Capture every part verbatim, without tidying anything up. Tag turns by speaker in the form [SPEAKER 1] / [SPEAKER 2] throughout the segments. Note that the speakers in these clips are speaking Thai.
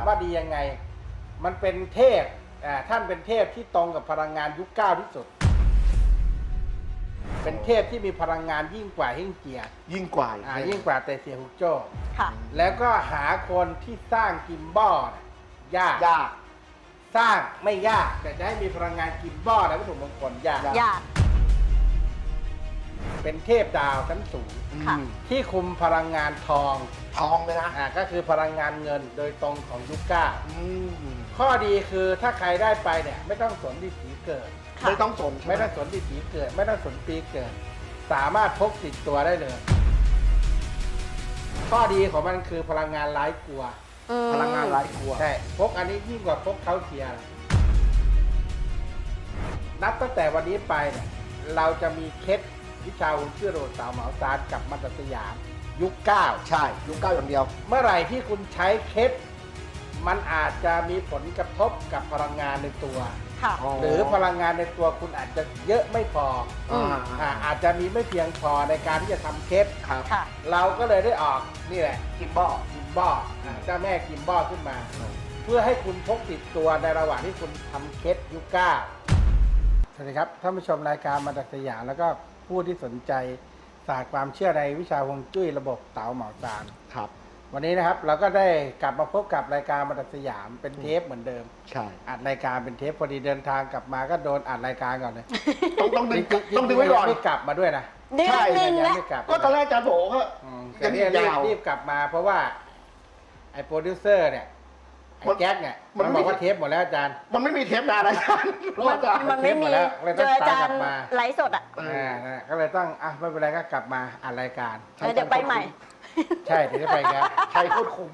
[SPEAKER 1] ว่าดียังไงมันเป็นเทพอ่าท่านเป็นเทพที่ตรงกับพลังงานยุคเก้าที่สุดเป็นเทพที่มีพลังงานยิ่งกว่าเฮ่งเจีย
[SPEAKER 2] ยิ่งกว่า
[SPEAKER 1] อ่ายิ่งกว่าเตเซียฮุกโจ้
[SPEAKER 3] ค่ะ
[SPEAKER 1] แล้วก็หาคนที่สร้างกิมบอลยาก
[SPEAKER 2] ยาก
[SPEAKER 1] สร้างไม่ยากแต่จะให้มีพลังงานกิมบอลและวัตถุมงคลยาก
[SPEAKER 3] ยาก
[SPEAKER 1] เป็นเทพดาวชั้นสูงที่คุมพลังงานทอง
[SPEAKER 2] ทองเลยนะ
[SPEAKER 1] อ่าก็คือพลังงานเงินโดยตรงของยุคเก้าข้อดีคือถ้าใครได้ไปเนี่ยไม่ต้องสนดิถีเกิด
[SPEAKER 2] ไม่ต้องสน
[SPEAKER 1] ไม่ต้องสนดิถีเกิด ไม่ต้องสนปีเกิด สามารถพกติดตัวได้เลย ข้อดีของมันคือพลังงานไร้กลัว
[SPEAKER 2] พลังงานไร้กลัว
[SPEAKER 1] ใช่พกอันนี้ยิ่งกว่าพกเขาเทียร์นับตั้งแต่วันนี้ไปเนี่ยเราจะมีเคล็ดวิชาหุ่นเชื่อโรดสาวเหมาซานกับมัตสยามยุคเก้า
[SPEAKER 2] ใช่ยุคเก้าอย่างเดียว
[SPEAKER 1] เมื่อไหร่ที่คุณใช้เคล็ดมันอาจจะมีผลกระทบกับพลังงานในตัวหรือพลังงานในตัวคุณอาจจะเยอะไม่พออ่าอาจจะมีไม่เพียงพอในการที่จะทำเคล็ดเราก็เลยได้ออกนี่แหละ
[SPEAKER 2] กิมบอล
[SPEAKER 1] กิมบอลเจ้าแม่กิมบอลขึ้นมาเพื่อให้คุณพกติดตัวในระหว่างที่คุณทำเคล็ดยุคเก้าสวัสดีครับท่านผู้ชมรายการมัตสยามแล้วก็ผู้ที่สนใจศาสตร์ความเชื่อในวิชาฮวงจุ้ยระบบเต๋าเหมาซาน
[SPEAKER 2] ครับ
[SPEAKER 1] วันนี้นะครับเราก็ได้กลับมาพบกับรายการมัตสยามเป็นเทปเหมือนเดิม
[SPEAKER 2] ใช่
[SPEAKER 1] อัดรายการเป็นเทปพอดีเดินทางกลับมาก็โดนอัดรายการก่อนเลย
[SPEAKER 2] ต้องต้องดึงต้องดึงไว้ก่อน
[SPEAKER 1] ไม่กลับมาด้วยนะ
[SPEAKER 3] ใช่
[SPEAKER 1] ยังไม่กลับ
[SPEAKER 2] ก็ตอนแรกอาจารย์โถก็
[SPEAKER 1] ยังรีบรีบกลับมาเพราะว่าไอ้โปรดิวเซอร์เนี่ยไอ้แจ็คเนี่ยมันบอกว่าเทปหมดแล้วอาจารย์
[SPEAKER 2] มันไม่มีเทปนานอาจารย์
[SPEAKER 3] มันไม่มีเจออาจารย์ไลฟ์สดอ่ะ
[SPEAKER 1] ก็เลยต้องอ่ะไม่เป็นไรก็กลับมาอัดรายการ
[SPEAKER 3] เดี๋ยวไปใหม่
[SPEAKER 1] ใช่ถึงจะไปครับ
[SPEAKER 2] ใช่โคตรคุ้ม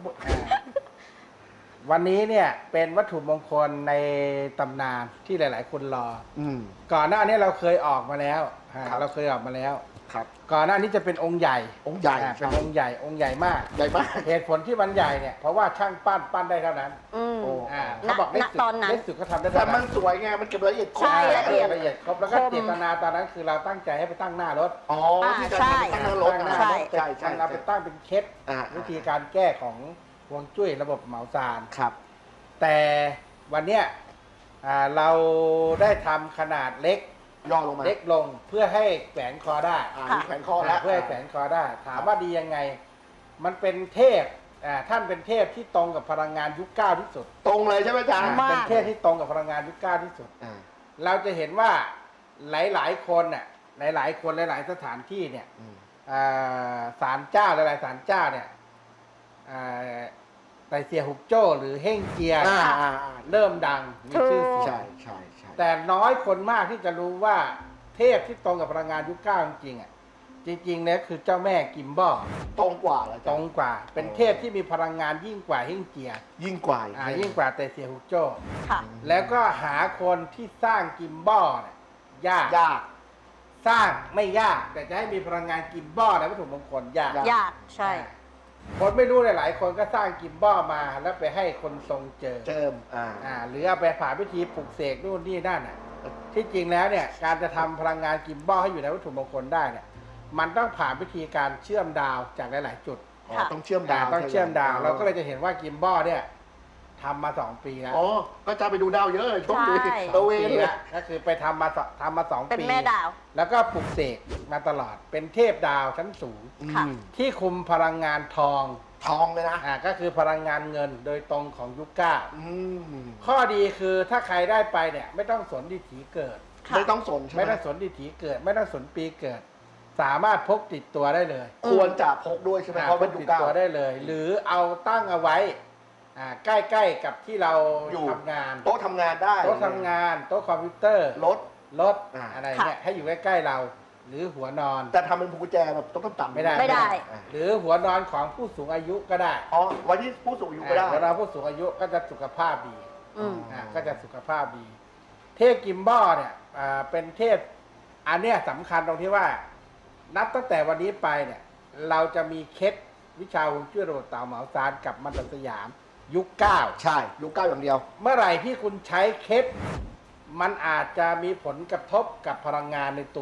[SPEAKER 1] วันนี้เนี่ยเป็นวัตถุมงคลในตำนานที่หลายๆคนรอก่อนหน้านี้เราเคยออกมาแล้วเราเคยออกมาแล้ว
[SPEAKER 2] ครับ
[SPEAKER 1] ก่อนหน้านี้จะเป็นองค์ใหญ่
[SPEAKER 2] องค์ใหญ่
[SPEAKER 1] เป็นองค์ใหญ่องค์ใหญ่มาก
[SPEAKER 2] ใหญ่มาก
[SPEAKER 1] เหตุผลที่มันใหญ่เนี่ยเพราะว่าช่างปั้นปั้นได้เท่านั้นเขาบอกได้สุดได้สุดก็ทำได้
[SPEAKER 2] แต่มันสวยไงมันเก็บละเอียด
[SPEAKER 1] ครบละเอียดละเอียดครบแล้วก็เจตนาตอนนั้นคือเราตั้งใจให้ไปตั้งหน้ารถ
[SPEAKER 2] อ๋อที่จะตั้งหน้ารถ
[SPEAKER 1] ใช่ใช่ใช่เราไปตั้งเป็นเคล็ดวิธีการแก้ของฮวงจุ้ยระบบเหมาซาน
[SPEAKER 2] ครับ
[SPEAKER 1] แต่วันเนี้ยเราได้ทำขนาดเล็ก
[SPEAKER 2] ย่อลงมา
[SPEAKER 1] เล็กลงเพื่อให้แขวนคอได้
[SPEAKER 2] แขวนคอแล้ว
[SPEAKER 1] เพื่อให้แขวนคอได้ถามว่าดียังไงมันเป็นเทพท่านเป็นเทพที่ตรงกับพลังงานยุคเก้าที่สุด
[SPEAKER 2] ตรงเลยใช่ไหมอาจารย์
[SPEAKER 1] เป็นเทพที่ตรงกับพลังงานยุคเก้าที่สุดเราจะเห็นว่าหลายๆคนน่ะหลายๆคนหลายๆสถานที่เนี่ยศาลเจ้าหลายๆศาลเจ้าเนี่ยไตเซียฮุกโจ้หรือเฮ่งเจียเริ่มดังมีชื่อเสียง
[SPEAKER 2] ใช่ใช่ใช่
[SPEAKER 1] แต่น้อยคนมากที่จะรู้ว่าเทพที่ตรงกับพลังงานยุคเก้าจริงๆอ่ะจริงๆเนี่ยคือเจ้าแม่กิมบอล
[SPEAKER 2] ตรงกว่า
[SPEAKER 1] ตรงกว่าเป็นเทพที่มีพลังงานยิ่งกว่าเฮ่งเจีย
[SPEAKER 2] ยิ่งกว่า
[SPEAKER 1] อ่ายิ่งกว่าไตเซียฮุกโจ้แล้วก็หาคนที่สร้างกิมบอลเนี่ยยาก
[SPEAKER 2] ยาก
[SPEAKER 1] สร้างไม่ยากแต่จะให้มีพลังงานกิมบอลและวัตถุมงคลยาก
[SPEAKER 3] ยากใช่
[SPEAKER 1] คนไม่รู้หลายๆคนก็สร้างกิมบอลมาแล้วไปให้คนทรงเจอ
[SPEAKER 2] เจิม
[SPEAKER 1] อ่าอ่าหรือเอาไปผ่านพิธีปลุกเสกนู่นนี่นั่นอ่ะที่จริงแล้วเนี่ยการจะทำพลังงานกิมบอลให้อยู่ในวัตถุมงคลได้เนี่ยมันต้องผ่านพิธีการเชื่อมดาวจากหลายๆจุด
[SPEAKER 2] ต้องเชื่อมดาว
[SPEAKER 1] ต้องเชื่อมดาวเราก็เลยจะเห็นว่ากิมบอลเนี่ยทำมาสองปีแล้ว
[SPEAKER 2] อ๋อก็จะไปดูดาวเยอะเลยช่วงนี้
[SPEAKER 1] ตะเวนเลยก็คือไปทำมาทำมาสองปี
[SPEAKER 3] เป็นแม่ดาว
[SPEAKER 1] แล้วก็ปลุกเสกมาตลอดเป็นเทพดาวชั้นสูงที่คุมพลังงานทอง
[SPEAKER 2] ทองเลยนะ
[SPEAKER 1] อ่าก็คือพลังงานเงินโดยตรงของยุคเก้าข้อดีคือถ้าใครได้ไปเนี่ยไม่ต้องสนดิถีเกิด
[SPEAKER 2] ไม่ต้องสน
[SPEAKER 1] ไม่ต้องสนดิถีเกิดไม่ต้องสนปีเกิดสามารถพกติดตัวได้เลย
[SPEAKER 2] ควรจะพกด้วยใช่ไหมเพราะมัน
[SPEAKER 1] ติดตัวได้เลยหรือเอาตั้งเอาไว้ใกล้ๆกับที่เราทำงาน
[SPEAKER 2] โต๊ะทำงานได้
[SPEAKER 1] โต๊ะทำงานโต๊ะคอมพิวเตอร์
[SPEAKER 2] รถ
[SPEAKER 1] รถอะไรเนี่ยให้อยู่ใกล้ๆเราหรือหัวนอน
[SPEAKER 2] แต่ทำเป็นกุญแจแบบต้องต่ำ
[SPEAKER 1] ไม่ได้
[SPEAKER 3] ไม่ได้
[SPEAKER 1] หรือหัวนอนของผู้สูงอายุก็ได้
[SPEAKER 2] อ๋อไว้ที่ผู้สูงอายุก็ได้
[SPEAKER 1] หัวนอนผู้สูงอายุก็จะสุขภาพดีอ่าก็จะสุขภาพดีเทพกิมบอลเนี่ยเป็นเทพอันเนี้ยสำคัญตรงที่ว่านับตั้งแต่วันนี้ไปเนี่ยเราจะมีเคล็ดวิชาฮวงจุ้ยระบบเต๋าเหมาซานกับมัตสยามยุคเก้า
[SPEAKER 2] ใช่ยุคเก้าอย่างเดียว
[SPEAKER 1] เมื่อไหร่ที่คุณใช้เคล็ดมันอาจจะมีผลกระทบกับพลังงานในตัว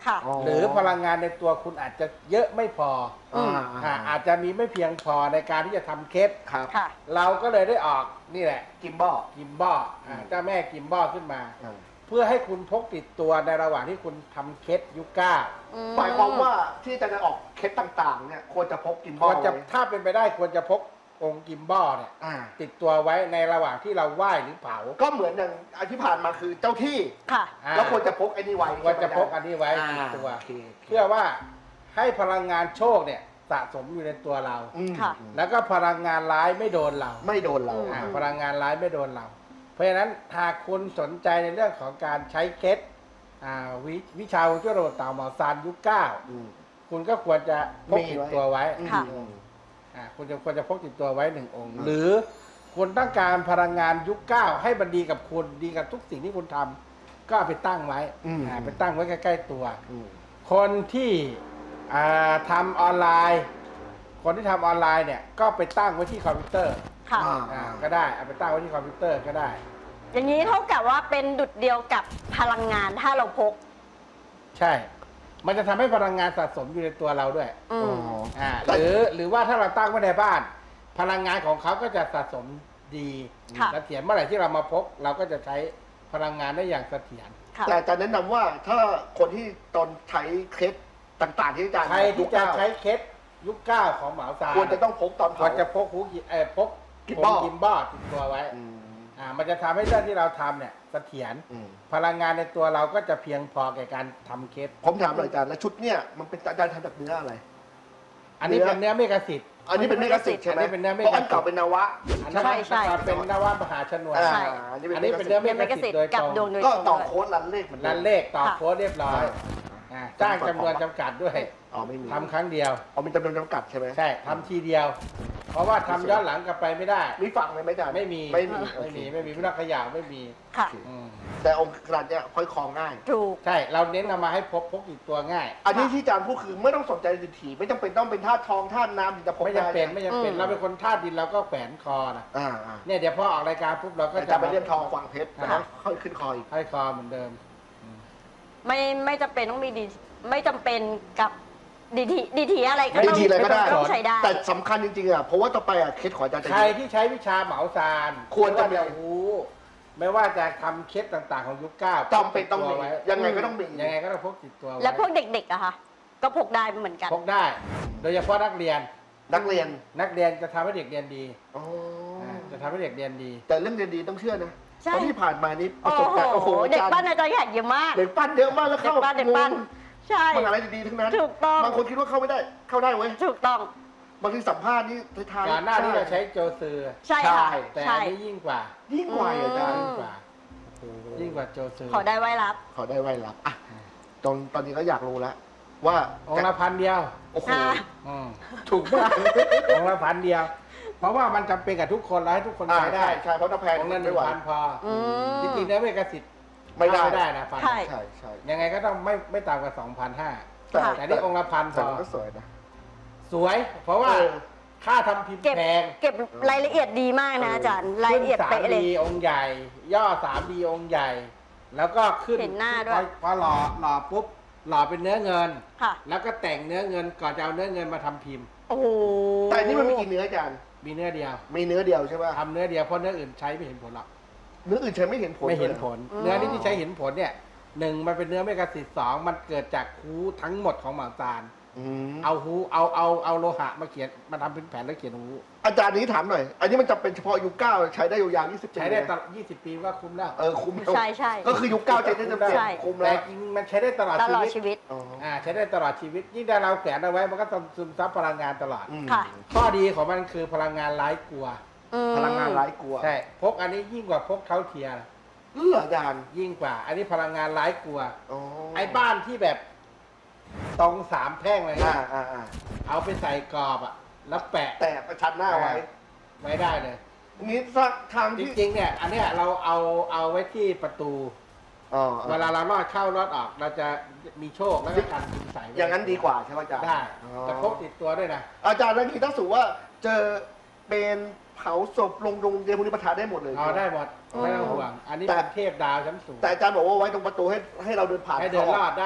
[SPEAKER 3] ค่ะ
[SPEAKER 1] หรือพลังงานในตัวคุณอาจจะเยอะไม่พอ
[SPEAKER 3] อืม
[SPEAKER 1] อ่าอาจจะมีไม่เพียงพอในการที่จะทำเคส
[SPEAKER 2] ครับ
[SPEAKER 3] ค่ะ
[SPEAKER 1] เราก็เลยได้ออกนี่แหละ
[SPEAKER 2] กิมบอล
[SPEAKER 1] กิมบอลอ่าเจ้าแม่กิมบอลขึ้นมา
[SPEAKER 2] อ่า
[SPEAKER 1] เพื่อให้คุณพกติดตัวในระหว่างที่คุณทำเคสยุคเก้า
[SPEAKER 2] หมายความว่าที่จะออกเคสต่างๆเนี่ยควรจะพกกิมบ
[SPEAKER 1] ค
[SPEAKER 2] อ
[SPEAKER 1] ว
[SPEAKER 2] ล
[SPEAKER 1] รจะ
[SPEAKER 2] ไว้
[SPEAKER 1] ถ้าเป็นไปได้ควรจะพกองค์กิมบอลเนี่ย
[SPEAKER 2] อ่า
[SPEAKER 1] ติดตัวไว้ในระหว่างที่เราไหว้หรือเผา
[SPEAKER 2] ก็เหมือนอย่างอันที่ผ่านมาคือเจ้าที่
[SPEAKER 3] ค่ะ
[SPEAKER 1] อ่า
[SPEAKER 2] แล้วควรจะพกไอ้นี่ไว้
[SPEAKER 1] ควรจะพก
[SPEAKER 2] ใช่ไหม
[SPEAKER 1] อันนี้ไว้
[SPEAKER 2] อ่า
[SPEAKER 1] ติดตัว
[SPEAKER 2] โอเค
[SPEAKER 1] เพื่อว่าให้พลังงานโชคเนี่ยสะสมอยู่ในตัวเรา
[SPEAKER 2] อืม
[SPEAKER 3] ค่ะ
[SPEAKER 1] แล้วก็พลังงานร้ายไม่โดนเรา
[SPEAKER 2] ไม่โดนเรา
[SPEAKER 3] อืม
[SPEAKER 1] อ่าพลังงานร้ายไม่โดนเรา เพราะฉะนั้นหากคุณสนใจในเรื่องของการใช้เคล็ดอ่าวิวิชาฮวงจุ้ยระบบเต่าหมอซานยุคเก้า
[SPEAKER 2] อืม
[SPEAKER 1] คุณก็ควรจะพก
[SPEAKER 2] มี
[SPEAKER 1] ติด
[SPEAKER 2] ไว้
[SPEAKER 1] ตัวไว้
[SPEAKER 3] ค่ะ
[SPEAKER 2] อืม
[SPEAKER 1] อ่าคุณจะควรจะพกติดตัวไว้หนึ่งองค์
[SPEAKER 2] อืม
[SPEAKER 1] หรือคุณต้องการพลังงานยุคเก้าให้มันดีกับคุณดีกับทุกสิ่งที่คุณทำก็เอาไปตั้งไว้
[SPEAKER 2] อืม
[SPEAKER 1] อ่าไปตั้งไว้ใกล้ๆตัว
[SPEAKER 2] อืม
[SPEAKER 1] คนที่อ่าทำออนไลน์ คนที่ทำออนไลน์เนี่ยก็ไปตั้งไว้ที่คอมพิวเตอร์
[SPEAKER 3] ค่ะ
[SPEAKER 2] อ่า
[SPEAKER 1] อ่าก็ได้เอาไปตั้งไว้ที่คอมพิวเตอร์ก็ได้
[SPEAKER 3] อย่างนี้เท่ากับว่าเป็นดุจเดียวกับพลังงานถ้าเราพก
[SPEAKER 1] ใช่ มันจะทำให้พลังงานสะสมอยู่ในตัวเราด้วย
[SPEAKER 3] อื
[SPEAKER 2] อ๋
[SPEAKER 3] ม
[SPEAKER 2] อ
[SPEAKER 1] อ่า
[SPEAKER 2] แต่
[SPEAKER 1] หรือหรือว่าถ้าเราตั้งไว้ในบ้าน พลังงานของเขาก็จะสะสมดี
[SPEAKER 3] ค่ะ
[SPEAKER 1] เสถียรเมื่อไหร่ที่เรามาพก เราก็จะใช้พลังงานได้อย่างเสถียร
[SPEAKER 3] ค่ะ
[SPEAKER 2] แต่อาจารย์แนะนำว่าถ้าคนที่ตอนใช้เคสต่างๆ ที่อาจารย์
[SPEAKER 1] ใครที่จะใช้เคสยุคเก้าของเหมาซาน
[SPEAKER 2] ควรจะต้องพกตอน
[SPEAKER 1] คว
[SPEAKER 2] เผาร
[SPEAKER 1] จะพกหูกิเออพก
[SPEAKER 2] กิมบอล
[SPEAKER 1] กิมบอลติดตัวไว้
[SPEAKER 2] อืม
[SPEAKER 1] อ่ามันจะทำให้เรื่องที่เราทำเนี่ยเสถียร
[SPEAKER 2] อืม
[SPEAKER 1] พลังงานในตัวเราก็จะเพียงพอแก่การทำเคส
[SPEAKER 2] ผมถามหน่อยอาจารย์แล้วชุดเนี่ยมันเป็นอาจารย์ทำจากเนื้ออะไร
[SPEAKER 1] อันนี้เป็นเนื้อเมกะสิทธิ์
[SPEAKER 2] อันนี้เป็นเมกะสิทธิ์ใช่ไหม
[SPEAKER 1] อันนี้เป็นเนื้อเมฆ
[SPEAKER 2] เพราะอันเก่าเป็นนวะ
[SPEAKER 1] อันนั้น
[SPEAKER 3] ใช่ใช่
[SPEAKER 1] เป็นนวมหาชนวน
[SPEAKER 2] อ่า
[SPEAKER 3] ใช่
[SPEAKER 2] อันนี้
[SPEAKER 1] อัน
[SPEAKER 2] เป็
[SPEAKER 1] นี้
[SPEAKER 2] น
[SPEAKER 1] เป็น
[SPEAKER 2] เนื้
[SPEAKER 1] เนื้
[SPEAKER 2] อ
[SPEAKER 1] อ
[SPEAKER 3] เม
[SPEAKER 1] เม
[SPEAKER 3] ก
[SPEAKER 1] กะ
[SPEAKER 3] สิ
[SPEAKER 1] สิ
[SPEAKER 3] ท
[SPEAKER 1] ท
[SPEAKER 3] ธิ์
[SPEAKER 1] ธิ์โดย
[SPEAKER 3] กับ
[SPEAKER 1] ตรง
[SPEAKER 3] ดวงโดย
[SPEAKER 2] ก็
[SPEAKER 3] ตรง
[SPEAKER 2] ต่อ
[SPEAKER 3] ด้วย
[SPEAKER 2] โค้ดรันเลขเหมือน
[SPEAKER 1] รั
[SPEAKER 2] เดิ
[SPEAKER 1] น
[SPEAKER 2] ม
[SPEAKER 1] เลขต่อ
[SPEAKER 3] ค่ะ
[SPEAKER 1] โค้ดเรียบร้อย อ่าจ้างจำนวนจำกัดด้วย
[SPEAKER 2] อ๋อไม่มี
[SPEAKER 1] ทำครั้งเดียว
[SPEAKER 2] อ๋อมีจำนวนจำกัดใช่ไหม
[SPEAKER 1] ใช่ทำทีเดียว เพราะว่าทำย้อนหลังกลับไปไม่ได้
[SPEAKER 2] มีฝั่งเลยไหมอาจารย์
[SPEAKER 1] ไม่มี
[SPEAKER 2] ไม่มี
[SPEAKER 1] ไม่มี
[SPEAKER 2] โอเค
[SPEAKER 1] ไม่มีไม่ต้องขยาวไม่มี
[SPEAKER 3] ค่ะ
[SPEAKER 1] อืม
[SPEAKER 2] แต่องค์กระเนี่ยค่อยคลองง่าย
[SPEAKER 3] ถูก
[SPEAKER 1] ใช่เราเน้นเอามาให้พกพกติดตัวง่าย
[SPEAKER 2] อันนี้ที่อาจารย์พูดคือไม่ต้องสนใจดิถีไม่จำเป็นต้องเป็นธาตุทองธาตุน้ำถึงจะพก
[SPEAKER 1] ไม่
[SPEAKER 2] ได้
[SPEAKER 1] จำเป็นไม่จำเป็น
[SPEAKER 3] อืม
[SPEAKER 1] เราเป็นคนธาตุดินเราก็แขวนคอนะ
[SPEAKER 2] อ่าอ่า
[SPEAKER 1] เนี่ยเดี๋ยวพอออกรายการปุ๊บเราก็
[SPEAKER 2] อา
[SPEAKER 1] จะ
[SPEAKER 2] จารย์ไปเลี่ยมทองกวางเพชร
[SPEAKER 1] อ่า
[SPEAKER 2] แล้วค่อยขึ้นคออีก
[SPEAKER 1] ให้คอเหมือนเดิม
[SPEAKER 3] ไม่ไม่จำเป็นต้องมีดีไม่จำเป็นกับดีทีดีทีอะไรก็
[SPEAKER 2] ดี
[SPEAKER 3] ต้อง
[SPEAKER 2] ทีอะไรก็ได้
[SPEAKER 3] ต้องใช้ได้
[SPEAKER 2] แต่สำคัญจริงๆอ่ะเพราะว่าต่อไปอ่ะเคสขออาจารย์จะ
[SPEAKER 1] ใครที่ใช้วิชาเหมาซาน
[SPEAKER 2] ควรจะมี
[SPEAKER 1] ไม่ารู้ไม่ว่าจะทำเคสต่างๆของยุคเก้า
[SPEAKER 2] จำเป็นต้องมี
[SPEAKER 1] พกติดวไว้
[SPEAKER 2] ยังไงก็ต้องมี
[SPEAKER 1] ยังไงก็ต้องพกติดตัวไ
[SPEAKER 3] แล้วพวกเด็กๆอะค่ะก็พกได้เหมือนกัน
[SPEAKER 1] พกได้ โดยเฉพาะนักเรียน
[SPEAKER 2] นักเรียน
[SPEAKER 1] นักเรียนจะทำให้เด็กเรียนดี
[SPEAKER 2] อ๋ออา
[SPEAKER 1] จะทำให้เด็กเรียนดี
[SPEAKER 2] แต่เรื่องเรียนดีต้องเชื่อนะ
[SPEAKER 3] ใช่
[SPEAKER 2] เพราะที่ผ่านมานี้ป
[SPEAKER 3] โอ้
[SPEAKER 2] ระสบการณ์โอ้
[SPEAKER 3] โห
[SPEAKER 2] โห
[SPEAKER 3] เด็ก
[SPEAKER 2] อาจารย์
[SPEAKER 3] ปั้นอาจารย์แขกเยอะมาก
[SPEAKER 2] เด็กปั้นเยอะมากแล้ว
[SPEAKER 3] เด็ก
[SPEAKER 2] เข้า
[SPEAKER 3] ปั้นเด็กปั้นใช่
[SPEAKER 2] มหาลัยดีๆทั้งนั้น
[SPEAKER 3] ถูกต้อง
[SPEAKER 2] บางคนคิดว่าเข้าไม่ได้ เข้าได้เว้ย
[SPEAKER 3] ถูกต้อง
[SPEAKER 2] บางทีสัมภาษณ์นี่ท้ายๆ
[SPEAKER 1] ก่อนหน้าที่เราใช้โจซือ
[SPEAKER 3] ใช่ค่ะ
[SPEAKER 1] แต่
[SPEAKER 3] ใช่
[SPEAKER 1] อันนี้ยิ่งกว่า
[SPEAKER 2] ยิ่งกว่าอีกอาจารย์
[SPEAKER 3] อื
[SPEAKER 1] ยิ่ง
[SPEAKER 3] ม
[SPEAKER 1] กว่า ยิ่งกว่าโจซือ
[SPEAKER 3] ขอได้ไว้รับ
[SPEAKER 2] ขอได้ไว้รับอ่ะตอนตอนนี้ก็อยากรู้แล้วว่า
[SPEAKER 1] องค์ละพันเดียว
[SPEAKER 2] โอ้โห
[SPEAKER 3] อ่า
[SPEAKER 1] อืม
[SPEAKER 2] ถูกมาก
[SPEAKER 1] องค์ละพันเดียว เพราะว่ามันจำเป็นกับทุกคนแล้วให้ทุกคน
[SPEAKER 2] อ่า
[SPEAKER 1] ใช้ได้
[SPEAKER 2] ใช่ใช่เพราะถ้าแพง
[SPEAKER 1] องค์ละห
[SPEAKER 2] ไม่
[SPEAKER 1] นึ่ง
[SPEAKER 2] ไหว
[SPEAKER 1] พันพออ
[SPEAKER 3] อืม
[SPEAKER 1] จริงๆแล้วเมกสิทธิ์
[SPEAKER 2] ไม่ได้
[SPEAKER 1] ไม่ได้นะพัน
[SPEAKER 3] ใช่
[SPEAKER 2] ใช่ใช่
[SPEAKER 1] ยังไงก็ต้องไม่ไม่ต่ำกว่าสองพันห้า
[SPEAKER 2] แต่
[SPEAKER 3] ค่ะ
[SPEAKER 1] แต่นี่องค์ละพันพ
[SPEAKER 2] แต่
[SPEAKER 1] อ
[SPEAKER 2] มันก็สวยนะ
[SPEAKER 1] สวย เพราะว่า
[SPEAKER 2] เออ
[SPEAKER 1] ค่าทำพิมพ์
[SPEAKER 3] เก็บ
[SPEAKER 1] แพง
[SPEAKER 3] เก็บรายละเอียดดีมากนะอาจารย์รายละเอียด
[SPEAKER 1] ขึ้น
[SPEAKER 3] เป๊ะ
[SPEAKER 1] สาม
[SPEAKER 3] เลย
[SPEAKER 1] ดีองค์ใหญ่ ย่อสามดีองค์ใหญ่ แล้วก็ขึ้น
[SPEAKER 3] เห็นหน้าด้วย
[SPEAKER 1] พอพอหล่อหล่อปุ๊บหล่อเป็นเนื้อเงิน
[SPEAKER 3] ค่ะ
[SPEAKER 1] แล้วก็แต่งเนื้อเงินก่อนจะเอาเนื้อเงินมาทำพิมพ์
[SPEAKER 3] โอ้โห
[SPEAKER 2] แต่อันนี่มันมีกี่เนื้ออาจารย์
[SPEAKER 1] มีเนื้อเดียว
[SPEAKER 2] มีเนื้อเดียวใช่ป่ะ
[SPEAKER 1] ทำเนื้อเดียวเพราะเนื้ออื่นใช้ไม่เห็นผลหรอก
[SPEAKER 2] เนื้ออื่นใช้ไม่เห็นผล
[SPEAKER 1] ไม่เห็น
[SPEAKER 2] ลย
[SPEAKER 1] ผล เนื้อนี้ที่ใช้เห็นผลเนี่ยหนึ่งมันเป็นเนื้อเมกะสิทธิ์สองมันเกิดจากฮูทั้งหมดของหมาซาน
[SPEAKER 2] อืม
[SPEAKER 1] เอาฮูเอาเอาเอาโลหะมาเขียนมาทำเป็นแผ่นแล้วเขียนฮู
[SPEAKER 2] อาจารย์นี้ถามหน่อย อันนี้มันจะเป็นเฉพาะยุคเก้าใช้ได้ยาวๆยี่สิบปี
[SPEAKER 1] ใช้ได้
[SPEAKER 2] เลย
[SPEAKER 1] ตลอดยี่สิบปีก็คุ้มแล้ว
[SPEAKER 2] เออคุ้มแล้ว
[SPEAKER 3] ใช่ใช่
[SPEAKER 2] ก็คือยุคเก้าใช้ได้เต็ม
[SPEAKER 3] ใช่
[SPEAKER 2] ๆคุ้ม
[SPEAKER 1] แต่
[SPEAKER 2] แล้ว
[SPEAKER 1] จริงมันใช้ได้ตลอด
[SPEAKER 3] ต
[SPEAKER 1] ชี
[SPEAKER 3] ลอด
[SPEAKER 1] วิต
[SPEAKER 3] ชีวิต
[SPEAKER 2] อ๋อ
[SPEAKER 1] อ่าใช้ได้ตลอดชีวิตยิ่งถ้าเราแขวนเอาไว้มันก็ต้องซึมซับพลังงานตลอด
[SPEAKER 2] อืม
[SPEAKER 3] ค่ะ
[SPEAKER 1] ข้อดีของมันคือพลังงานไร้กลัว
[SPEAKER 3] อืม
[SPEAKER 2] พลังงานไร้กลัว
[SPEAKER 1] ใช่พกอันนี้ยิ่งกว่าพกเท้าเทียร์
[SPEAKER 2] เลืออาจารย์
[SPEAKER 1] ยิ่งกว่า อันนี้พลังงานไร้กลัว
[SPEAKER 2] อ๋อ
[SPEAKER 1] ไอ้บ้านที่แบบตรงสามแพร่งเลย
[SPEAKER 2] อ่า
[SPEAKER 1] นะ
[SPEAKER 2] อ่าอ่า
[SPEAKER 1] เอาไปใส่กรอบอะแล้วแปะ
[SPEAKER 2] แต่ประชันหน้าไว้
[SPEAKER 1] ไว้ได้เลย
[SPEAKER 2] งี้สักทาง
[SPEAKER 1] จ
[SPEAKER 2] ที่
[SPEAKER 1] ริงๆเนี่ยอันเนี้ยเราเอาเอาไว้ที่ประตู
[SPEAKER 2] อ๋อ
[SPEAKER 1] เวลาเราลอดเข้าลอดออก เราจะมีโชคแล้วก็การคุณใส่ไว้
[SPEAKER 2] อย่างนั้นดีกว่าใช่ไหมอาจารย์
[SPEAKER 1] ได้
[SPEAKER 2] อ๋อ
[SPEAKER 1] แต่พกติดตัวด้วยนะ
[SPEAKER 2] อาจารย์แล้วทีถ้าสูว่าเจอเป็นเผาศพลงโรงเรียนพวกนี้ประทานได้หมดเลย
[SPEAKER 1] เอาได้หมด
[SPEAKER 3] อืม
[SPEAKER 1] ไม่ต้องห่วง อันนี้
[SPEAKER 2] แต่
[SPEAKER 1] เป็นเทพดาวชั้นสูง
[SPEAKER 2] แต่อาจารย์บอกว่าไว้ตรงประตูให้ให้เราเดินผ่าน
[SPEAKER 1] ให้เดินลอดได้
[SPEAKER 2] อ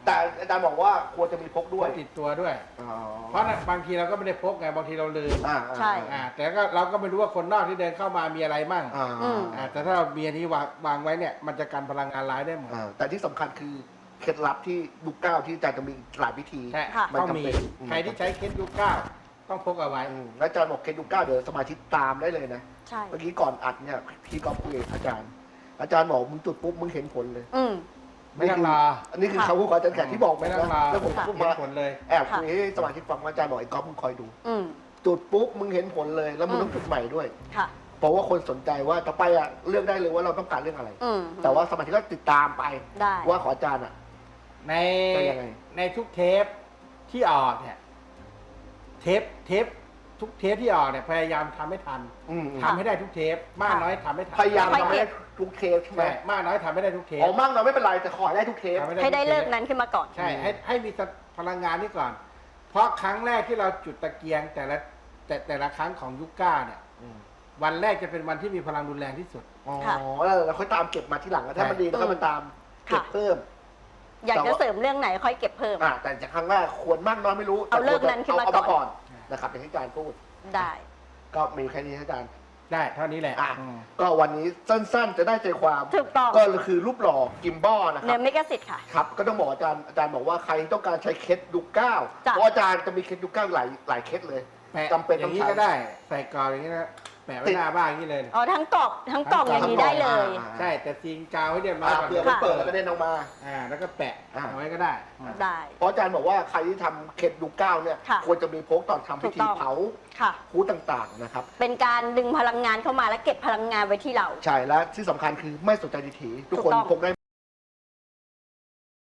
[SPEAKER 2] แต่อาจารย์บอกว่าควรจะมีพก
[SPEAKER 1] พ
[SPEAKER 2] ด้วย
[SPEAKER 1] กติดตัวด้วย
[SPEAKER 2] อ๋อ
[SPEAKER 1] เพราะบางทีเราก็ไม่ได้พกไงบางทีเราลืม
[SPEAKER 2] อ่า
[SPEAKER 3] ใช่
[SPEAKER 1] อ่าแต่ก็เราก็ไม่รู้ว่าคนนอกที่เดินเข้ามามีอะไรมั่ง
[SPEAKER 2] อ่า
[SPEAKER 3] อืม
[SPEAKER 1] อ่าแต่ถ้าเรามีอันนี้วางวางไว้เนี่ยมันจะกันพลังงานร้ายได้หมด
[SPEAKER 2] อ่าแต่ที่สำคัญคือเคล็ดลับที่ยุคเก้าที่อาจารย์จะมีหลายวิธี
[SPEAKER 1] ใช่
[SPEAKER 3] ค่ะ
[SPEAKER 1] ต้องมี
[SPEAKER 2] มันจำเป็นอืม
[SPEAKER 1] ใครที่ใช้เคสยุคเก้าต้องพกเอาไว้
[SPEAKER 2] อืมแล้วอาจารย์บอกเคล็ดยุคเก้าเดี๋ยวสมาชิกตามได้เลยนะ
[SPEAKER 3] ใช่
[SPEAKER 2] เมื่อกี้ก่อนอัดเนี่ยพี่ก็คุยกับอาจารย์ อาจารย์บอกมึงจุดปุ๊บมึงเห็นผลเลย
[SPEAKER 3] อืม
[SPEAKER 1] ไม่ต้องรอ
[SPEAKER 2] อันนี้คือคำพูดของอาจารย์แขกที่บอก
[SPEAKER 1] ไม่ต้องรอ
[SPEAKER 2] แล้วผม
[SPEAKER 3] ค่ะ
[SPEAKER 2] พูด
[SPEAKER 1] เห็น
[SPEAKER 2] มา
[SPEAKER 1] ผลเลย
[SPEAKER 2] แอบคุยให้สมาชิกฟังว่าอาจารย์บอกไอ้ก๊อฟมึงคอยดู
[SPEAKER 3] อืม
[SPEAKER 2] จุดปุ๊บมึงเห็นผลเลยแล้วมึง
[SPEAKER 3] อืม
[SPEAKER 2] ต้องจุดใหม่ด้วย
[SPEAKER 3] ค่ะ
[SPEAKER 2] เพราะว่าคนสนใจว่าต่อไปอะเลือกได้เลยว่าเราต้องการเรื่องอะไร
[SPEAKER 3] อืม
[SPEAKER 2] แต่ว่าสมาชิกก็ติดตามไป
[SPEAKER 3] ได้
[SPEAKER 2] ว่าขออาจารย์อะ
[SPEAKER 1] ใน
[SPEAKER 2] เป็นยังไง
[SPEAKER 1] ในทุกเทปที่ออกเนี่ยเทปเทปทุกเทปที่ออกเนี่ยพยายามทำให้ทัน
[SPEAKER 2] อืม
[SPEAKER 1] ทำให้ได้ทุกเทปมากน้อยทำให้ทัน
[SPEAKER 2] พยายาม
[SPEAKER 3] ค่อย
[SPEAKER 2] ทำให้
[SPEAKER 3] เก็
[SPEAKER 2] ได้
[SPEAKER 3] บ
[SPEAKER 2] ทุกเทปใช่ไหม
[SPEAKER 1] ใช่มากน้อยทำไม่ได้ทุกเทป
[SPEAKER 2] อ๋อมั่งเราไม่เป็นไรแต่ขอให้ได้ทุกเทป
[SPEAKER 1] ทำ
[SPEAKER 3] ให้ได้
[SPEAKER 1] ทุทป
[SPEAKER 3] เลิกนั้นขึ้นมาก่อน
[SPEAKER 1] ใช่ให้ให้มีพลังงานนี้ก่อน เพราะครั้งแรกที่เราจุดตะเกียงแต่ละแต่แต่ละครั้งของยุคเก้าเนี่ย
[SPEAKER 2] อืม
[SPEAKER 1] วันแรกจะเป็นวันที่มีพลังรุนแรงที่สุด
[SPEAKER 2] อ๋อ
[SPEAKER 3] ค่ะ
[SPEAKER 2] แล้วเราค่อยตามเก็บมาที่หลังถ้ามันดีเราก็มาตามเก็บ
[SPEAKER 3] ค่ะ
[SPEAKER 2] เพิ่ม
[SPEAKER 3] อยาก
[SPEAKER 2] แต่
[SPEAKER 3] จะ
[SPEAKER 2] ว่า
[SPEAKER 3] เสริมเรื่องไหนค่อยเก็บเพิ่ม
[SPEAKER 2] อ่าแต่จากครั้งแรกควรมากน้อยไม่รู้
[SPEAKER 3] เอาเลิกนั้นขึ้นมา
[SPEAKER 2] เอา
[SPEAKER 3] ก่อน
[SPEAKER 2] ก่อนนะครับอย่างที่อาจารย์พูด
[SPEAKER 3] ได้
[SPEAKER 2] ก็มีแค่นี้อาจารย์
[SPEAKER 1] ได้เท่านี้แหละ
[SPEAKER 2] อ่ะ
[SPEAKER 1] อืม
[SPEAKER 2] ก็วันนี้สั้นๆ จะได้ใจความ
[SPEAKER 3] ถูกต้อง
[SPEAKER 2] ก็คือรูปหล่อกิมบอลนะค
[SPEAKER 3] เนื้
[SPEAKER 2] รั
[SPEAKER 3] อบ เมกะสิทธิ์ค่ะ
[SPEAKER 2] ครับ ก็ต้องบอกอาจารย์อาจารย์บอกว่าใครต้องการใช้เคสยุคเก้า
[SPEAKER 3] จ้ะ
[SPEAKER 2] เพราะอาจารย์จะมีเคสยุคเก้าหลายหลายเคสเลย
[SPEAKER 1] แปะ
[SPEAKER 2] จำเป็น
[SPEAKER 1] อ
[SPEAKER 2] ต้อย่าง
[SPEAKER 1] งนี้
[SPEAKER 2] ใช้
[SPEAKER 1] ก็ได้ ใส่กรอบอย่างนี้นะแปะไว้หน้าบ้านอย่างนี้เลย
[SPEAKER 3] อ๋อทั้งกรอบทั้งกล่องอย่างนี้ได้เลย
[SPEAKER 2] อ่า
[SPEAKER 1] ใช่แต่ซีนกาวให้เรียบร้อย
[SPEAKER 2] อ่า
[SPEAKER 1] ก่อน
[SPEAKER 2] เผื่อมันเปิดแล้วก็เด้นออกมา
[SPEAKER 1] อ่าแล้วก็แปะ
[SPEAKER 2] อ่า
[SPEAKER 1] เอาไว้ก็ได้อืม
[SPEAKER 3] ได้
[SPEAKER 2] เพราะอาจารย์บอกว่าใครที่ทำเคสยุคเก้าเนี่ย
[SPEAKER 3] ค่ะ
[SPEAKER 2] ควรจะมีพกตอนทำพิธี
[SPEAKER 3] ถูกต้อง
[SPEAKER 2] เผา
[SPEAKER 3] ค่ะ
[SPEAKER 2] คูต่างๆนะครับ
[SPEAKER 3] เป็นการดึงพลังงานเข้ามาและเก็บพลังงานไว้ที่เรา
[SPEAKER 2] ใช่และที่สำคัญคือไม่สนใจดีถีทุกคน
[SPEAKER 3] ถูกต้อง
[SPEAKER 2] พกได้